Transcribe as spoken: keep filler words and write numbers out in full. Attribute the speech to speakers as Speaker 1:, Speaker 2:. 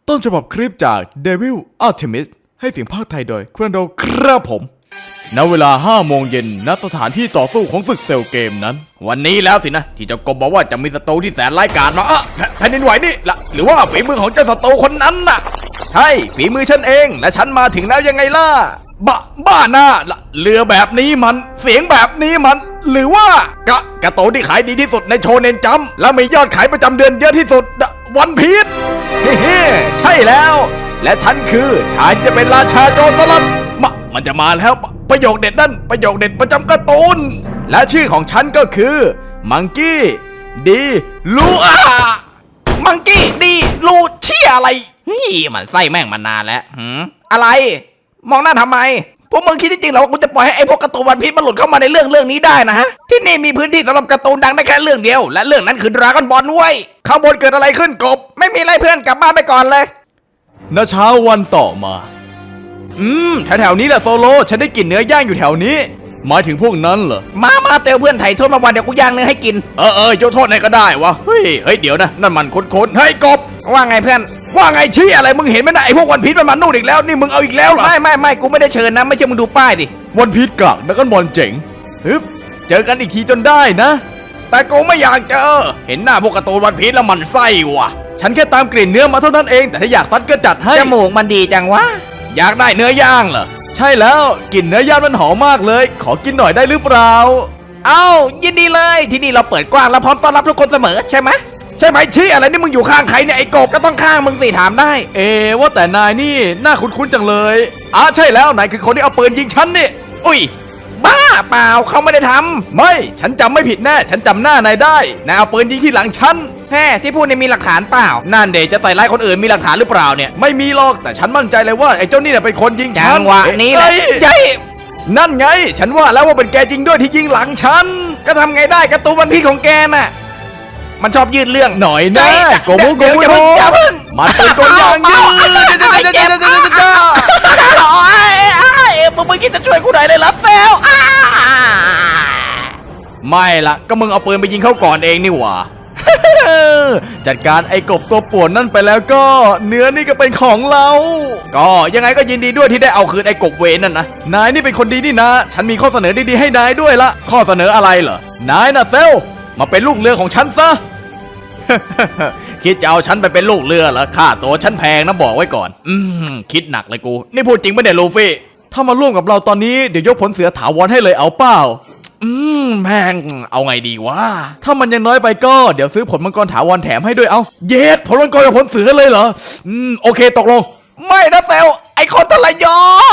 Speaker 1: ต้นฉบับคลิปจาก Devil Artemis ให้เสียงภาคไทยโดยคุณโดครับผมณเวลาห้าโมงเย็นณสถานที่ต่อสู้ของศึกเซลเกมนั้นวันนี้แล้วสินะที่เจ้ากบบอกว่าจะมีศัตรูที่แสนร้ายกาจมาเออแผ่นดินไหวนี่ละหรือว่าฝีมือของเจ้าศัตรูคนนั้นน่ะใช่ฝีมือฉันเองและฉันมาถึงแล้วยังไงล่ะบ้าบ้าหน้าละเรือแบบนี้มันเสียงแบบนี้มันหรือว่ากะกระโตที่ขายดีที่สุดในโชเนนจัมและมียอดขายประจำเดือนเยอะที่สุดวันพีชเฮ้ใช่แล้วและฉันคือฉันจะเป็นราชาโจรสลัดมามันจะมาแล้วประโยคเด็ดนั่นประโยคเด็ดประจำการ์ตูนและชื่อของฉันก็คือมังกี้ดีลูอามังกี้ดีลูเชี่ยอะไรเฮ้ยมันไส้แม่งมานานแล้วหืมอะไรมองหน้าทำไมพวกมึงคิดจริงๆเหรอว่ากูจะปล่อยให้ไอ้พวกการ์ตูนวันพีชมันหลุดเข้ามาในเรื่องเรื่องนี้ได้นะฮะที่นี่มีพื้นที่สำหรับการ์ตูนดังได้แค่เรื่องเดียวและเรื่องนั้นคือดราก้อนบอลเว้ยข้างบนเกิดอะไรขึ้นกบไม่มีอะไรเพื่อนกลับบ้านไปก่อนเลยณเช้าวันต่อมาอืมแถวๆนี้แหละโซโลฉันได้กลิ่นเนื้อย่างอยู่แถวนี้หมายถึงพวกนั้นเหรอมามาเตลเพื่อนไถ่โทษมาวันเดี๋ยวกูย่างเนื้อให้กินเออเออยกโทษไหนก็ได้วะเฮ้ยเฮ้ยเดี๋ยวนะนั่นมันค้นๆเฮ้ยกบว่าไงเพื่อนว่าไงชี้อะไรมึงเห็นไหมนะไอพวกวันพีชมันมานู่นอีกแล้วนี่มึงเอาอีกแล้วเหรอไม่ไม่ไม่กูไม่ได้เชิญนะไม่ใช่มึงดูป้ายดิวันพีชกากดักกันบอลเจ๋งฮึบเจอกันอีกทีจนได้นะแต่กูไม่อยากเจอเห็นหน้าพวกการ์ตูนวันพีชแล้วมันไส้ว่ะฉันแค่ตามกลิ่นเนื้อมาเท่านั้นเองแต่ถ้าอยากซัดก็จัดให้จมูกมันดีจังวะอยากได้เนื้อย่างเหรอใช่แล้วกลิ่นเนื้อย่างมันหอมมากเลยขอกินหน่อยได้หรือเปล่าเอ้ายินดีเลยที่นี่เราเปิดกว้างและพร้อมต้อนรับทุกคนเสมอใช่ไหมใช่ไหมชี้อะไรนี่มึงอยู่ข้างใครเนี่ยไอ้กบก็ต้องข้างมึงสิถามได้เอว่าแต่นายนี่น่าคุ้นๆจังเลยอ่ะใช่แล้วนายคือคนที่เอาปืนยิงฉันนี่อุ้ยบ้าเปล่าเขาไม่ได้ทำไม่ฉันจำไม่ผิดแน่ฉันจำหน้านายได้นายเอาปืนยิงที่หลังฉันแฮ่ที่พูดเนี่ยมีหลักฐานเปล่านั่นเดชจะใส่ร้ายคนอื่นมีหลักฐานหรือเปล่าเนี่ยไม่มีหรอกแต่ฉันมั่นใจเลยว่าไอ้เจ้านี่เป็นคนยิงฉันจังหวะนี้แหละใช่นั่นไงฉันว่าแล้วว่าเป็นแกจริงด้วยที่ยิงหลังฉันก็ทำไงได้การ์ตูนวันพีชของแกน่ะมันชอบยืดเรื่องหน่อยนะโกโบโกโบมันเป็นตัวอย่างยืดเจ็บโอ้ยมึงไม่คิดจะช่วยกูหน่อยเลยเหรอเซลไม่ละก็มึงเอาปืนไปยิงเขาก่อนเองนี่หว่าจัดการไอ้กบตัวป่วนนั่นไปแล้วก็เนื้อนี่ก็เป็นของเราก็ยังไงก็ยินดีด้วยที่ได้เอาคืนไอ้กบเวรนั่นนะนายนี่เป็นคนดีนี่นะฉันมีข้อเสนอดีๆให้นายด้วยละข้อเสนออะไรเหรอนายนะเซลมาเป็นลูกเรือของฉันซะ คิดจะเอาฉันไปเป็นลูกเรือเหรอค่าตัวฉันแพงนะบอกไว้ก่อนอืมคิดหนักเลยกูนี่พูดจริงปะเนี่ยลูฟี่ถ้ามาร่วมกับเราตอนนี้เดี๋ยวยกผลเสือถาวรให้เลยเอาเปล่าอืมแม่งเอาไงดีวะถ้ามันยังน้อยไปก็เดี๋ยวซื้อผลมังกรถาวรแถมให้ด้วยเอาเย็ดผลมังกรกับผลเสือเลยเหรออืมโอเคตกลงไม่นะเซลไอคนทรย